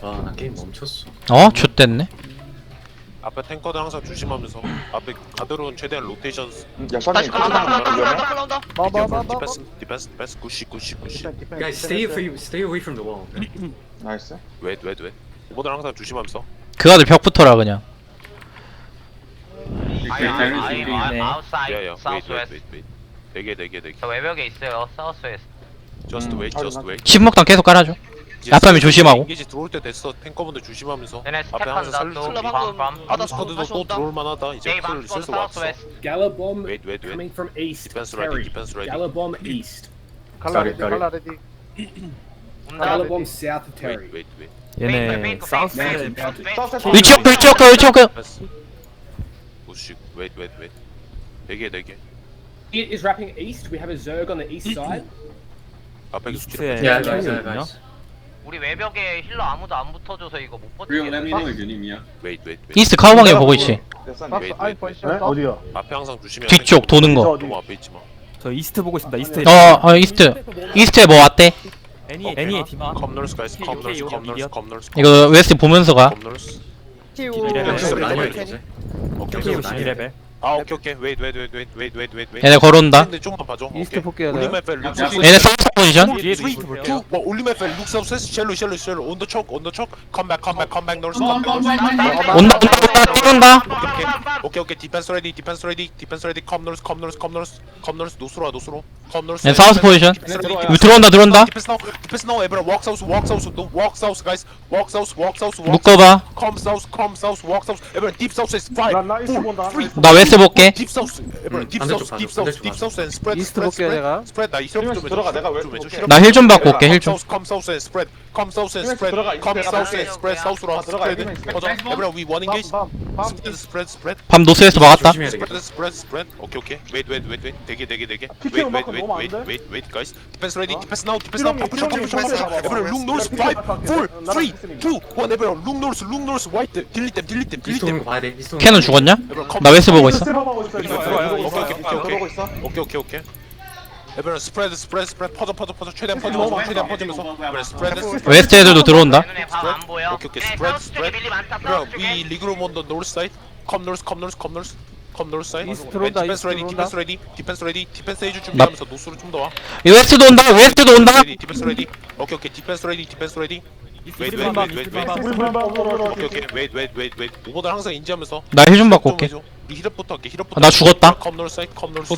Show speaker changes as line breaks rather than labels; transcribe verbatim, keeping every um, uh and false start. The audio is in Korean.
아, 나 게임 멈췄어.
어? 좆됐네.
앞에 탱커들 항상 조심하면서 앞에 가드론 최대한 로테이션
야 샤니
올라온다
위험해?
올라온다.
디펜스 디펜스 디펜스 굿시 굿시 굿시
Guys, stay away, stay away from the wall.
나이스.
웨이웨이웨이 오버들 항상 조심하면서
그가들 벽 붙어라 그냥.
아이 아웃사이드
야야
사우스
웨이트
웨스트.
웨이트 웨이트 대게 대게 대게
저 외벽에 있어요. 사우스 웨스트.
저스트
음,
웨이트 저스트 웨이트
침묵당 계속 깔아줘. 야타미 조심하고.
인게지 들어올 때 됐어 탱커분들 조심하면서
얘네
앞에 항상
스택한다.
살려줘
또
방금
밤밤.
아무스커드도
다시
또
온다.
들어올 만하다 이제
게임
클
안
슬슬
사우스
왔어
웨스트.
Gallabomb
웨이트 웨이트 웨이트
coming from east.
디펜스
Terry.
레디 디펜스 레디
Gallabomb east.
갈라
Got it,
레디
got it.
갈라 레디.
온다.
Gallabomb south of Terry.
웨이트 웨이트 웨이트
얘네 사우스
위치 업글 위치 업글 위치 업글.
패스 굿시 웨이트 웨이트 웨이트 대게 대게
It is wrapping east. We have a Zerg on the east side.
앞에
이스트에
Yeah,
그
guys,
탱이
yeah,
있냐?
guys.
우리 외벽에 힐러 아무도 안 붙어줘서 이거 못
Real, let me know
버티겠어.
if you need me. Yeah.
웨이트 웨이트
이스트 카우방에 보고 있지.
됐어.
박스
웨이트,
아이
웨이트,
포지션.
어디요?
앞에 항상 조심해야
뒤쪽 도는 거.
너무 앞에 있지 마
저 이스트 보고 있습니다. 이스트.
어, 어 이스트. 이스트에 뭐 왔대?
애니 애니의 디마.
컴널스 가이스
오케이,
컴널스
오케이,
컴널스
미디어.
컴널스
이거 웨스트 보면서 가.
컴널스
키우.
이레벨.
엑스
나이
레벨.
이제.
오케이
오케이
오케이
십이 레벨.
아 오케이 오케이 웨이트 웨이트 웨이트 웨이트 웨이트 웨이트 웨이트
얘네 걸어온다.
근데 조금만 봐줘
이스트 볼게요, 네.
올리메 펠 룩스
얘네 사우스 포지션.
뒤에도 이스트 볼게요.
뭐 올리메 펠 룩스 오브 쉘로 쉘로 쉘로 온더 촉 온더 촉 컴백 컴백 컴백 노스 컴백 노스
온다 온다 온다 온다.
오케이 오케이 디펜스 레디 디펜스 레디 디펜스 레디 컴 노스 컴 노스 컴 노스 컴 노스 노스로 와 노스로 컴 노스
얘 사우스 포지션. 이거 들어온다 들어온다.
디펜스 나우 디펜스 나우 에브라 워크 사우스 워크 사우스 워크 사우스 가이스 워크 사우스 워크 사우스
묶어봐.
컴 사우스 컴 사우스 워크 사우스 에브라 딥 사우스 is five
나 나이스 본다.
나 웨스트 볼게.
딥 사우스 에브라 딥
반대쪽
사우스 딥
봐줘,
사우스
반대쪽
딥 사우스 앤 스프레드
이스트 볼게요, 내가.
스프레드 나 이스트 좀
들어가, 내가 왜
좀 해줘.
볼게.
나 힐 좀 받고 올게 힐 좀.
컴 사우스 앤 스프레드 컴 사우스 앤
이스트
스프레드
들어가,
컴
이스트
사우스 앤
들어가.
스프레드 사우스로 와
들어가,
스프레드
이스트
퍼져 에브라 위 원 인게이지
밤밤밤.
스프레드 스프레드 스프레드
밤 노스에서 막았다.
조심해야 돼.
스프레드 스프레드 스프레드 오케이 오케이 웨이트 웨이트 웨이트 웨이트 대기 대기 대기
피케
웨이트
음악은
웨이트
너무 안
웨이트
돼?
웨이트 웨이트 가이스 디펜스 레디 디펜스 나우 디펜스 나우
피롱이,
푸시 푸시 푸시
피롱이
푸시
봐봐.
에브라 룩 노스
피롱이
파이브
봐봐.
포
나랑
쓰리
피스님이.
투 원 에브라 룩 노스 룩 노스 화이트 딜리 댐 딜리 댐 딜리
이스트 오는
댐
거 봐야 돼. 이스트 오는
캐논
거.
죽었냐?
에브라 컴
나 웨스트 보고 있어.
스텝하고 있어. 이거.
오케이, 오케이,
아,
오케이,
그러고 있어.
오케이 오케이 오케이 에브라 스프레드 스프레드 스프레드 퍼져 퍼져 퍼져 최대한 퍼지면서 최대한 퍼지면서 에브라 스프레드
웨스트 애들도 들어온다.
내 눈에 밤 안 보여.
오케이, 오케이.
얘네
스프레드,
사우스 쪽에
스프레드.
밀리 많다.
Bro,
사우스
we
쪽에.
league room on the north side. Come north, come north, come north. Come north side.
이스트 들어온다,
And
이스트
defense ready,
들어온다.
defense ready, defense ready, defense 해줄 준비하면서 노스로 좀 더 와.
이 웨스트도 온다. 웨스트도 온다.
Ready, defense ready. 오케이 오케이, defense ready, defense ready. Wait, wait, wait, wait, wait.
우리 불만 오버로.
오케이 오케이, wait, wait, wait, wait. 오버들 항상 인지하면서.
나 힐 좀 받고 올게.
이 힐업부터 할게, 힐업부터.
나 죽었다.
Come north side, come north.